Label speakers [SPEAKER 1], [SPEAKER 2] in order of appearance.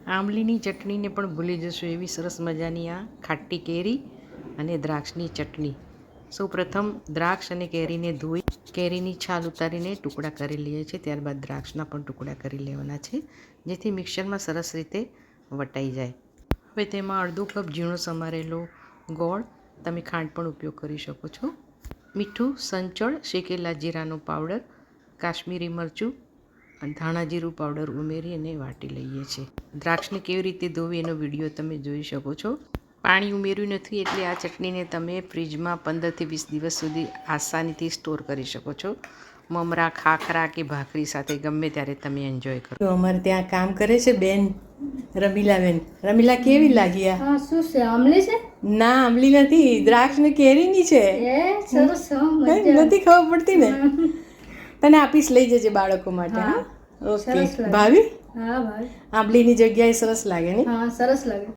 [SPEAKER 1] આંબલીની ચટણીને પણ ભૂલી જશો એવી સરસ મજાની આ ખાટી કેરી અને દ્રાક્ષની ચટણી. સૌપ્રથમ દ્રાક્ષ અને કેરીને ધોઈ કેરીની છાલ ઉતારીને ટુકડા કરી લઈએ છીએ. ત્યારબાદ દ્રાક્ષના પણ ટુકડા કરી લેવાના છે, જેથી મિક્સરમાં સરસ રીતે વટાઈ જાય. હવે તેમાં અડધો કપ ઝીણો સમારેલો ગોળ, તમે ખાંડ પણ ઉપયોગ કરી શકો છો, મીઠું, સંચળ, શેકેલા જીરાનો પાવડર, કાશ્મીરી મરચું અને ધાણા જીરું પાવડર ઉમેરી અને વાટી લઈએ છીએ. દ્રાક્ષને કેવી રીતે ધોવી એનો વિડીયો તમે જોઈ શકો છો. પાણી ઉમેર્યું નથી એટલે આ ચટણીને તમે ફ્રીજમાં 15થી 20 દિવસ સુધી આસાનીથી સ્ટોર કરી શકો છો. મમરા, ખાખરા કે ભાખરી સાથે ગમે ત્યારે તમે એન્જોય કરો. તો અમારે ત્યાં કામ કરે છે બેન, રમીલાબેન. રમીલા, કેવી લાગી આ?
[SPEAKER 2] હા, શું છે? આમલી છે?
[SPEAKER 1] ના, આંબલી નથી, દ્રાક્ષ ને કેરીની છે.
[SPEAKER 2] સરસ.
[SPEAKER 1] નથી ખબર પડતી ને. તને આપીશ, લઈ જજે બાળકો માટે. હા, ઓકે. ભાવી?
[SPEAKER 2] હા ભાઈ,
[SPEAKER 1] આંબલીની જગ્યાએ સરસ લાગે ને?
[SPEAKER 2] હા સરસ લાગે.